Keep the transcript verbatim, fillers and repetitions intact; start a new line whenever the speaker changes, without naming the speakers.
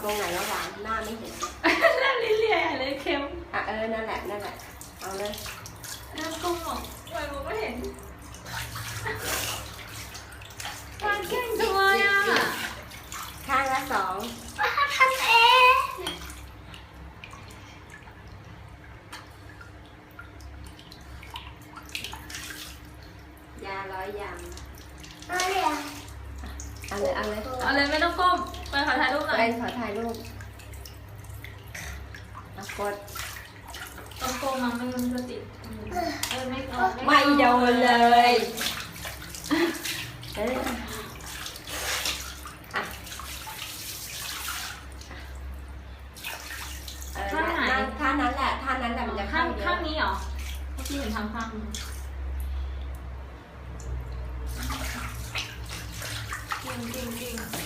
รงไหนแล้วหวานหน้าไม่เห็น
หน้าลิ้นเลียเลยเค็ม
อ่ะเออนั่นแหละนั่นแหละเอาเลย
น้ำกุ้งหรอกไว้มองไม่เห็นวางเก่งจังเลยอ่ะ
ข้างละสอง
ทำเอง
ยาร้อยยาง
อะไรอ่ะ
เอาเลยเอาเลย
เอาเลยไม่ต้องก้มไปขอถ่ายรูปหน่อย
เป็นขอถ่ายรูปเอากด
ต้องก้มมาไม่งั้นมันจะติดเออไม่เอา
ไม่โดนเลยเอออ่ะเออนั่นท่านั้นแหละท่านั้นแหละมันจะ
ข้า
เข้าง เย
ข้าง
อะ
นี้เหรอเมื่อกี้เห็นทางข้างจริงจริงจริง